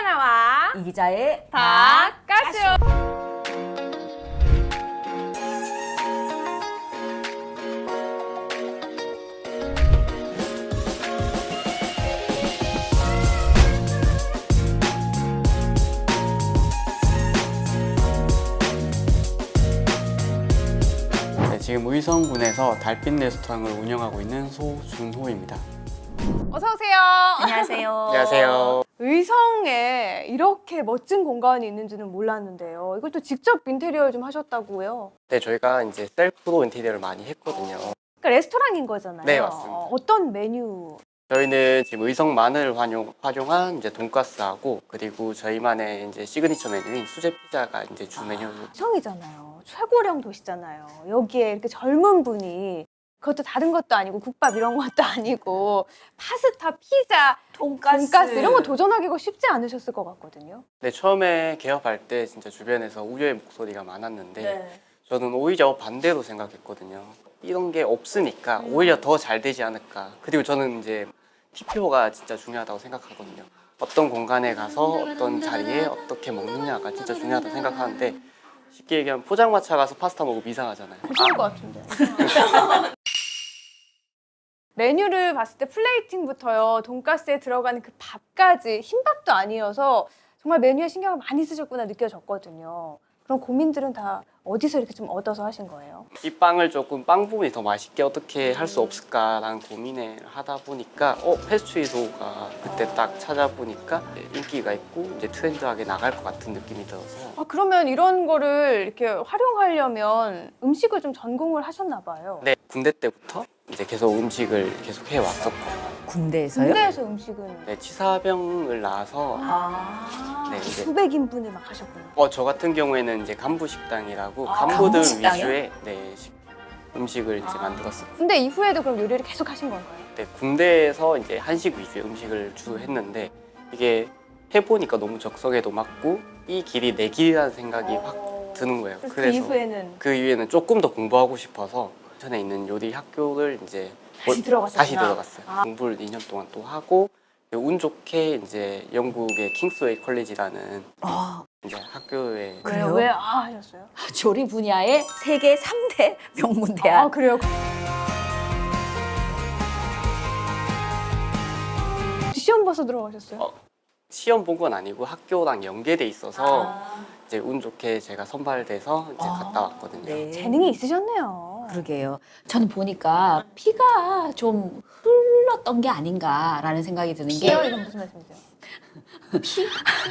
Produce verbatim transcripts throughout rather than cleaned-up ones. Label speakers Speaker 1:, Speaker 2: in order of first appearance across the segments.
Speaker 1: 하나와
Speaker 2: 이 기자의
Speaker 1: 닭가쇼.
Speaker 3: 네, 지금 의성군에서 달빛 레스토랑을 운영하고 있는 소준호입니다.
Speaker 1: 어서 오세요.
Speaker 2: 안녕하세요.
Speaker 3: 안녕하세요.
Speaker 1: 의성에 이렇게 멋진 공간이 있는지는 몰랐는데요. 이걸 또 직접 인테리어를 좀 하셨다고요?
Speaker 3: 네, 저희가 이제 셀프로 인테리어를 많이 했거든요.
Speaker 1: 그러니까 레스토랑인 거잖아요.
Speaker 3: 네, 맞습니다.
Speaker 1: 어, 어떤 메뉴?
Speaker 3: 저희는 지금 의성만을 활용, 활용한 이제 돈가스하고 그리고 저희만의 이제 시그니처 메뉴인 수제 피자가 이제 주 메뉴.
Speaker 1: 성이잖아요. 최고령 도시잖아요. 여기에 이렇게 젊은 분이 그것도 다른 것도 아니고 국밥 이런 것도 아니고 파스타, 피자,
Speaker 2: 돈가스.
Speaker 1: 돈가스 이런 거 도전하기가 쉽지 않으셨을 것 같거든요.
Speaker 3: 네, 처음에 개업할 때 진짜 주변에서 우려의 목소리가 많았는데
Speaker 1: 네.
Speaker 3: 저는 오히려 반대로 생각했거든요. 이런 게 없으니까 오히려 더 잘 되지 않을까. 그리고 저는 이제 티표가 진짜 중요하다고 생각하거든요. 어떤 공간에 가서 어떤 자리에 어떻게 먹느냐가 진짜 중요하다고 생각하는데 쉽게 얘기하면 포장마차 가서 파스타 먹으면 이상하잖아요.
Speaker 1: 보시는 것 같은데. 메뉴를 봤을 때 플레이팅부터요, 돈가스에 들어가는 그 밥까지 흰밥도 아니어서 정말 메뉴에 신경을 많이 쓰셨구나 느껴졌거든요. 그런 고민들은 다 어디서 이렇게 좀 얻어서 하신 거예요?
Speaker 3: 이 빵을 조금 빵 부분이 더 맛있게 어떻게 할 수 없을까라는 고민을 하다 보니까 어 페스츄리도가 그때 딱 찾아보니까 인기가 있고 이제 트렌드하게 나갈 것 같은 느낌이 들어서
Speaker 1: 아, 그러면 이런 거를 이렇게 활용하려면 음식을 좀 전공을 하셨나 봐요.
Speaker 3: 네, 군대 때부터 이제 계속 음식을 계속 해왔었고
Speaker 2: 군대에서요?
Speaker 1: 군대에서 음식은
Speaker 3: 네, 치사병을 나와서
Speaker 2: 아.
Speaker 3: 네, 이제
Speaker 1: 수백 인분을 막 하셨군요.
Speaker 3: 어, 저 같은 경우에는 이제 간부 식당이라고
Speaker 1: 아,
Speaker 3: 간부들
Speaker 2: 간부 식당이요?
Speaker 3: 위주의 네, 식- 음식을 이제 만들었어요.
Speaker 1: 근데 이후에도 그럼 요리를 계속 하신 건가요?
Speaker 3: 네, 군대에서 이제 한식 위주의 음식을 주로 했는데 이게 해보니까 너무 적성에도 맞고 이 길이 내 길이라는 생각이 확 드는 거예요.
Speaker 1: 그래서,
Speaker 3: 그래서
Speaker 1: 그 이후에는
Speaker 3: 그 이후에는 조금 더 공부하고 싶어서 전에 있는 요리 학교를 이제
Speaker 1: 다시 들어갔었구나.
Speaker 3: 다시 들어갔어요.
Speaker 1: 아.
Speaker 3: 공부를 이 년 동안 또 하고 운 좋게 이제 영국의 킹스웨이 컬리지라는
Speaker 2: 아,
Speaker 3: 이제 학교에
Speaker 2: 그래요?
Speaker 1: 왜요? 왜 아 하셨어요?
Speaker 2: 조리 분야의 세계 삼 대 명문대학.
Speaker 1: 아 그래요? 시험 봐서 들어가셨어요?
Speaker 3: 어, 시험 본 건 아니고 학교랑 연계돼 있어서
Speaker 2: 아.
Speaker 3: 이제 운 좋게 제가 선발돼서 이제
Speaker 2: 아,
Speaker 3: 갔다 왔거든요.
Speaker 2: 네.
Speaker 1: 재능이 있으셨네요.
Speaker 2: 그러게요. 저는 보니까 피가 좀 흘렀던 게 아닌가라는 생각이 드는 게
Speaker 1: 피요? 이건 무슨 말씀이세요? 피?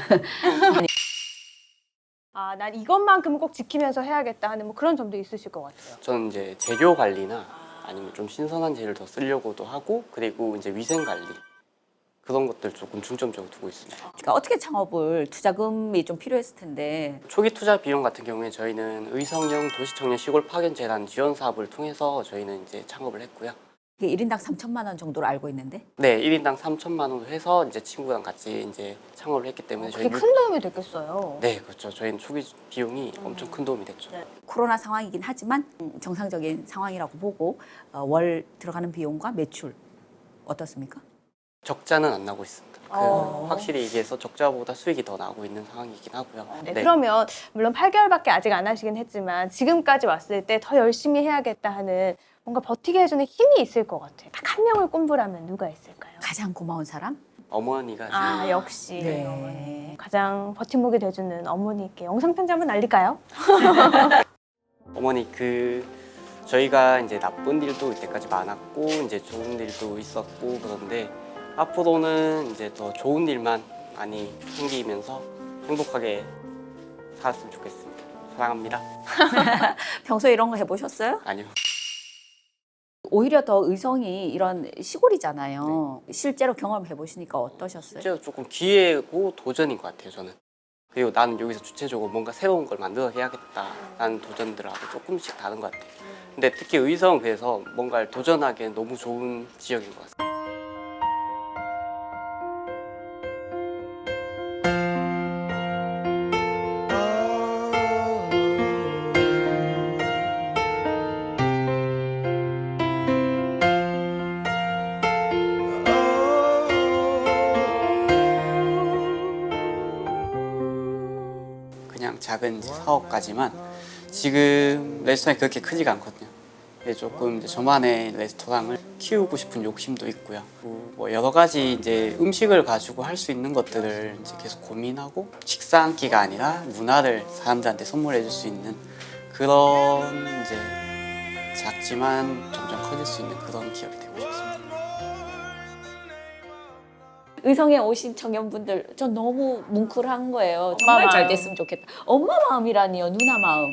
Speaker 1: 아, 난 이것만큼은 꼭 지키면서 해야겠다 하는 뭐 그런 점도 있으실 것 같아요.
Speaker 3: 저는 이제 재료 관리나 아니면 좀 신선한 재료를 더 쓰려고도 하고 그리고 이제 위생 관리 그런 것들 조금 중점적으로 두고 있습니다.
Speaker 2: 그러니까 어떻게 창업을 투자금이 좀 필요했을 텐데
Speaker 3: 초기 투자 비용 같은 경우에 저희는 의성형 도시청년 시골 파견 재단 지원 사업을 통해서 저희는 이제 창업을 했고요.
Speaker 2: 이게 일 인당 삼천만 원 정도로 알고 있는데
Speaker 3: 네, 일 인당 삼천만 원으로 해서 이제 친구랑 같이 이제 창업을 했기 때문에
Speaker 1: 그게
Speaker 3: 저희
Speaker 1: 큰 도움이 됐겠어요.
Speaker 3: 네, 그렇죠. 저희는 초기 비용이 엄청 큰 도움이 됐죠.
Speaker 2: 코로나 상황이긴 하지만 음, 정상적인 상황이라고 보고 어, 월 들어가는 비용과 매출 어떻습니까?
Speaker 3: 적자는 안 나고 있습니다. 그
Speaker 1: 어.
Speaker 3: 확실히 얘기해서 적자보다 수익이 더 나고 있는 상황이긴 하고요.
Speaker 1: 네, 그러면 물론 팔 개월밖에 아직 안 하시긴 했지만 지금까지 왔을 때 더 열심히 해야겠다 하는 뭔가 버티게 해주는 힘이 있을 것 같아요. 딱 한 명을 꼽으라면 누가 있을까요?
Speaker 2: 가장 고마운 사람?
Speaker 3: 어머니가 지금
Speaker 1: 아 역시
Speaker 2: 네.
Speaker 1: 어머니. 가장 버팀목이 돼주는 어머니께 영상 편지 한번 날릴까요?
Speaker 3: 어머니 그 저희가 이제 나쁜 일도 이때까지 많았고 이제 좋은 일도 있었고 그런데 앞으로는 이제 더 좋은 일만 많이 생기면서 행복하게 살았으면 좋겠습니다. 사랑합니다.
Speaker 2: 평소에 이런 거 해보셨어요?
Speaker 3: 아니요.
Speaker 2: 오히려 더 의성이 이런 시골이잖아요. 실제로 경험해 보시니까 어떠셨어요?
Speaker 3: 실제로 조금 기회고 도전인 것 같아요. 저는. 그리고 나는 여기서 주체적으로 뭔가 새로운 걸 만들어 해야겠다라는 도전들하고 조금씩 다른 것 같아요. 근데 특히 의성 그래서 뭔가를 도전하기엔 너무 좋은 지역인 것 같습니다. 작은 이제 사업까지만 지금 레스토랑이 그렇게 크지가 않거든요. 근데 조금 이제 저만의 레스토랑을 키우고 싶은 욕심도 있고요. 뭐 여러 가지 이제 음식을 가지고 할 수 있는 것들을 이제 계속 고민하고 식사 한 끼가 아니라 문화를 사람들한테 선물해 줄 수 있는 그런 이제 작지만 점점 커질 수 있는 그런 기업이 되고 싶습니다.
Speaker 2: 의성에 오신 청년분들 전 너무 뭉클한 거예요.
Speaker 1: 엄마
Speaker 2: 정말 잘
Speaker 1: 마음.
Speaker 2: 됐으면 좋겠다. 엄마 마음이라니요, 누나 마음.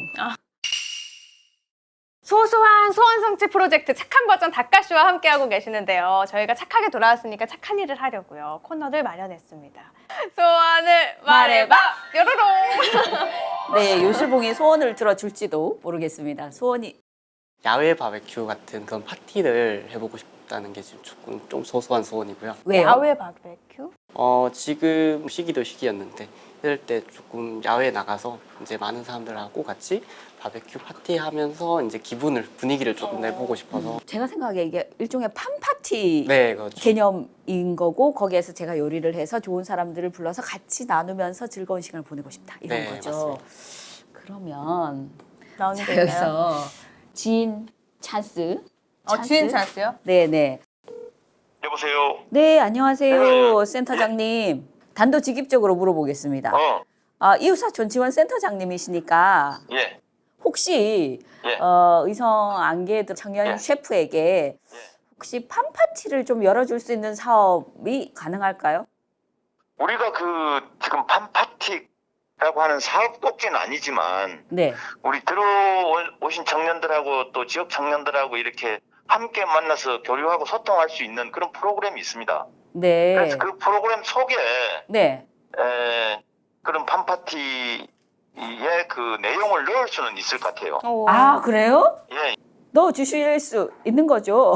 Speaker 1: 소소한 소원성취 프로젝트 착한 버전 닭가쇼와 함께하고 계시는데요. 저희가 착하게 돌아왔으니까 착한 일을 하려고요. 코너를 마련했습니다. 소원을 말해봐! 뾰로롱!
Speaker 2: 네, 요술봉이 소원을 들어줄지도 모르겠습니다. 소원이
Speaker 3: 야외 바베큐 같은 그런 파티를 해보고 싶다는 게 지금 조금 좀 소소한 소원이고요.
Speaker 2: 왜요?
Speaker 1: 야외 바베큐?
Speaker 3: 어, 지금 시기도 시기였는데 이럴 때 조금 야외에 나가서 이제 많은 사람들하고 같이 바베큐 파티 하면서 이제 기분을 분위기를 조금 내보고 싶어서
Speaker 2: 제가 생각에 이게 일종의 판 파티
Speaker 3: 네, 그렇죠.
Speaker 2: 개념인 거고 거기에서 제가 요리를 해서 좋은 사람들을 불러서 같이 나누면서 즐거운 시간을 보내고 싶다 이런
Speaker 3: 네,
Speaker 2: 거죠.
Speaker 3: 맞습니다.
Speaker 2: 그러면
Speaker 1: 나오는
Speaker 2: 자,
Speaker 1: 게 있나요?
Speaker 2: 여기서 지인 찬스.
Speaker 1: 어, 주인 찬스요?
Speaker 2: 네네.
Speaker 4: 여보세요.
Speaker 2: 네, 안녕하세요, 센터장님. 단도직입적으로 물어보겠습니다.
Speaker 4: 어,
Speaker 2: 아, 이웃사촌 지원 센터장님이시니까
Speaker 4: 예,
Speaker 2: 혹시
Speaker 4: 예.
Speaker 2: 어, 의성 안개도 청년
Speaker 4: 예.
Speaker 2: 셰프에게 혹시 판 파티를 좀 열어줄 수 있는 사업이 가능할까요?
Speaker 4: 우리가 그 지금 팜파티라고 하는 사업 꼭지는 아니지만
Speaker 2: 네.
Speaker 4: 우리 들어오신 청년들하고 또 지역 청년들하고 이렇게 함께 만나서 교류하고 소통할 수 있는 그런 프로그램이 있습니다.
Speaker 2: 네.
Speaker 4: 그래서 그 프로그램 속에
Speaker 2: 네.
Speaker 4: 에, 그런 팜파티의 그 내용을 넣을 수는 있을 것 같아요.
Speaker 1: 오.
Speaker 2: 아, 그래요?
Speaker 4: 예,
Speaker 2: 넣어 주실 수 있는 거죠?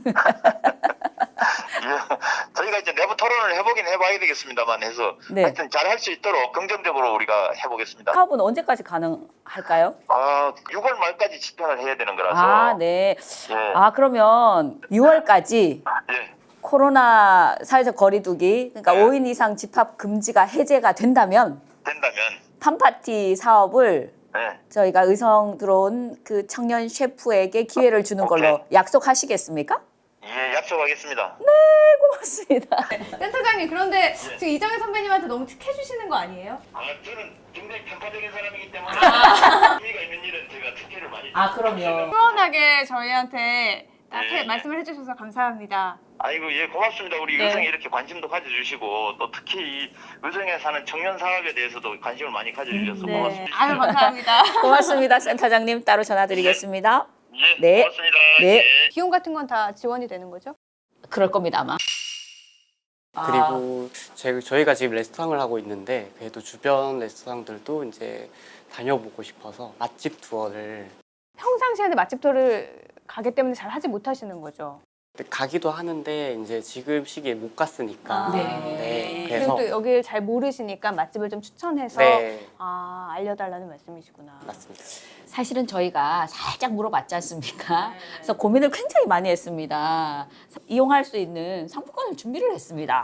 Speaker 4: 예. 저희가 이제 내부 토론을 해보긴 해봐야 되겠습니다만 해서
Speaker 2: 네.
Speaker 4: 하여튼 잘 할 수 있도록 긍정적으로 우리가 해보겠습니다.
Speaker 2: 사업은 언제까지 가능할까요?
Speaker 4: 아, 유월 말까지 집행을 해야 되는 거라서.
Speaker 2: 아, 네.
Speaker 4: 예.
Speaker 2: 아, 그러면 유월까지
Speaker 4: 예.
Speaker 2: 코로나 사회적 거리두기, 그러니까
Speaker 4: 네.
Speaker 2: 오 인 이상 집합 금지가 해제가 된다면
Speaker 4: 된다면.
Speaker 2: 팜파티 사업을
Speaker 4: 예.
Speaker 2: 저희가 의성 들어온 그 청년 셰프에게 기회를 주는 걸로
Speaker 4: 오케이.
Speaker 2: 약속하시겠습니까?
Speaker 4: 예, 약속하겠습니다.
Speaker 2: 고맙습니다.
Speaker 1: 센터장님, 그런데 지금 이정혜 선배님한테 너무 특혜주시는 거 아니에요?
Speaker 4: 아, 저는 굉장히 평가적인 사람이기 때문에 의미가 있는 일은 제가 특혜를 많이.
Speaker 2: 아, 그럼요.
Speaker 1: 시원하게 저희한테 딱
Speaker 4: 예.
Speaker 1: 해- 말씀을 해주셔서 감사합니다.
Speaker 4: 아이고, 예, 고맙습니다. 우리
Speaker 1: 네.
Speaker 4: 의성에 이렇게 관심도 가져주시고 또 특히 이 의성에 사는 청년 사업에 대해서도 관심을 많이 가져주셔서 고맙습니다.
Speaker 1: 아유, 감사합니다.
Speaker 2: 고맙습니다, 센터장님. 따로 전화드리겠습니다.
Speaker 4: 예,
Speaker 2: 네.
Speaker 4: 고맙습니다.
Speaker 2: 네.
Speaker 4: 예.
Speaker 1: 비용 같은 건 다 지원이 되는 거죠?
Speaker 2: 그럴 겁니다, 아마. 아,
Speaker 3: 그리고 제, 저희가 지금 레스토랑을 하고 있는데 그래도 주변 레스토랑들도 이제 다녀보고 싶어서 맛집 투어를
Speaker 1: 평상시에는 맛집 투어를 가기 때문에 잘 하지 못하시는 거죠?
Speaker 3: 가기도 하는데 이제 지금 시기에 못 갔으니까
Speaker 1: 아.
Speaker 3: 네,
Speaker 1: 그리고
Speaker 3: 그래서
Speaker 1: 또 여길 잘 모르시니까 맛집을 좀 추천해서
Speaker 3: 네,
Speaker 1: 아, 알려달라는 말씀이시구나.
Speaker 3: 맞습니다.
Speaker 2: 사실은 저희가 살짝 물어봤지 않습니까? 그래서 고민을 굉장히 많이 했습니다. 이용할 수 있는 상품권을 준비를 했습니다.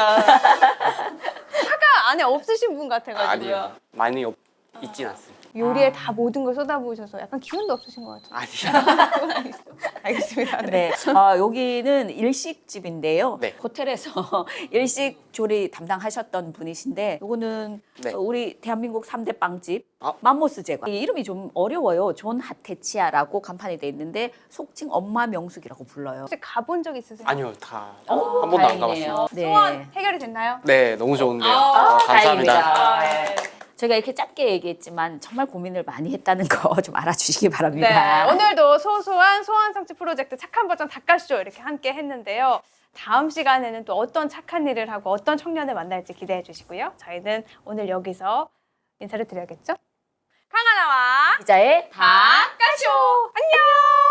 Speaker 1: 차가 안에 없으신 분 같아가지고요.
Speaker 3: 아니요, 많이 없, 있진 않습니다.
Speaker 1: 요리에
Speaker 2: 아.
Speaker 1: 다 모든 걸 쏟아부으셔서 약간 기운도 없으신 것 같아요.
Speaker 3: 아니요.
Speaker 1: 그건 아니죠. 알겠습니다. 네.
Speaker 2: 네, 아, 여기는 일식집인데요.
Speaker 3: 네.
Speaker 2: 호텔에서 일식 조리 담당하셨던 분이신데, 요거는
Speaker 3: 네.
Speaker 2: 우리 대한민국 삼 대 빵집
Speaker 3: 아.
Speaker 2: 맘모스 제과. 이 이름이 좀 어려워요. 존 하테치아라고 간판이 돼 있는데 속칭 엄마 명숙이라고 불러요.
Speaker 1: 혹시 가본 적 있으세요?
Speaker 3: 아니요, 다 한
Speaker 2: 어,
Speaker 3: 번도 안
Speaker 2: 다행이네요.
Speaker 3: 가봤습니다.
Speaker 2: 네.
Speaker 1: 소원 해결이 됐나요?
Speaker 3: 네, 너무 좋은데요.
Speaker 1: 아,
Speaker 3: 어, 감사합니다.
Speaker 2: 다행입니다. 저희가 이렇게 짧게 얘기했지만 정말 고민을 많이 했다는 거 좀 알아주시기
Speaker 1: 네,
Speaker 2: 바랍니다.
Speaker 1: 오늘도 소소한 소원 성취 프로젝트 착한 버전 닭가쇼 이렇게 함께 했는데요. 다음 시간에는 또 어떤 착한 일을 하고 어떤 청년을 만날지 기대해 주시고요. 저희는 오늘 여기서 인사를 드려야겠죠? 강하나와
Speaker 2: 기자의
Speaker 1: 닭가쇼 안녕.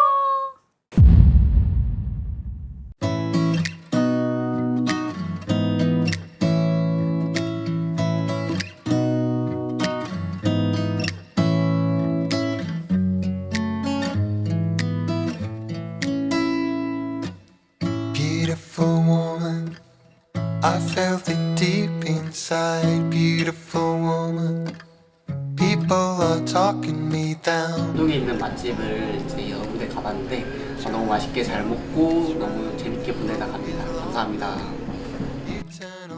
Speaker 5: Beautiful woman, I felt it deep inside. Beautiful woman, people people are talking me down.
Speaker 3: 여기 있는 맛집을 이제 여러 군데 가봤는데 너무 맛있게 잘 먹고 너무 재밌게 보내다 갑니다. 감사합니다.
Speaker 5: Eternal